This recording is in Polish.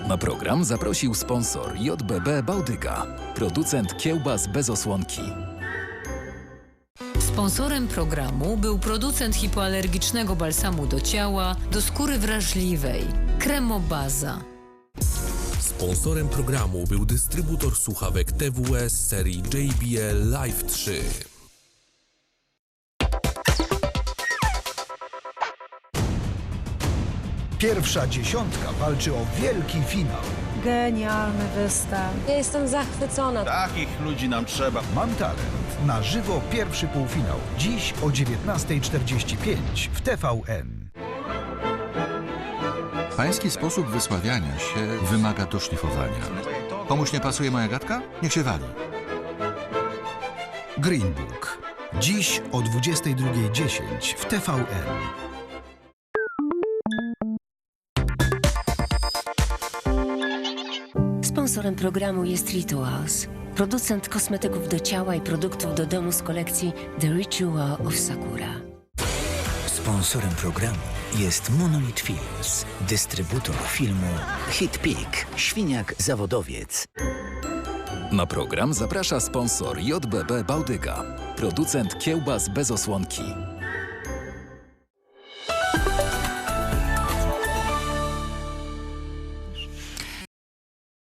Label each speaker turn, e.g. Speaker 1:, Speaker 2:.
Speaker 1: Na program zaprosił sponsor JBB Bałtyka, producent kiełbas bez osłonki.
Speaker 2: Sponsorem programu był producent hipoalergicznego balsamu do ciała, do skóry wrażliwej, Kremobaza.
Speaker 3: Sponsorem programu był dystrybutor słuchawek TWS serii JBL Live 3.
Speaker 4: Pierwsza dziesiątka walczy o wielki finał.
Speaker 5: Genialny wystaw.
Speaker 6: Ja jestem zachwycona.
Speaker 7: Takich ludzi nam trzeba.
Speaker 4: Mam talent. Na żywo pierwszy półfinał. Dziś o 19:45 w TVN.
Speaker 8: Pański sposób wysławiania się wymaga doszlifowania. Komuś nie pasuje moja gadka? Niech się wali.
Speaker 4: Green Book. Dziś o 22:10 w TVN.
Speaker 6: Sponsorem programu jest Rituals, producent kosmetyków do ciała i produktów do domu z kolekcji The Ritual of Sakura.
Speaker 9: Sponsorem programu jest Monolith Films, dystrybutor filmu Hit Peak, Świniak Zawodowiec.
Speaker 1: Na program zaprasza sponsor JBB Bałtyka, producent kiełbas bez osłonki.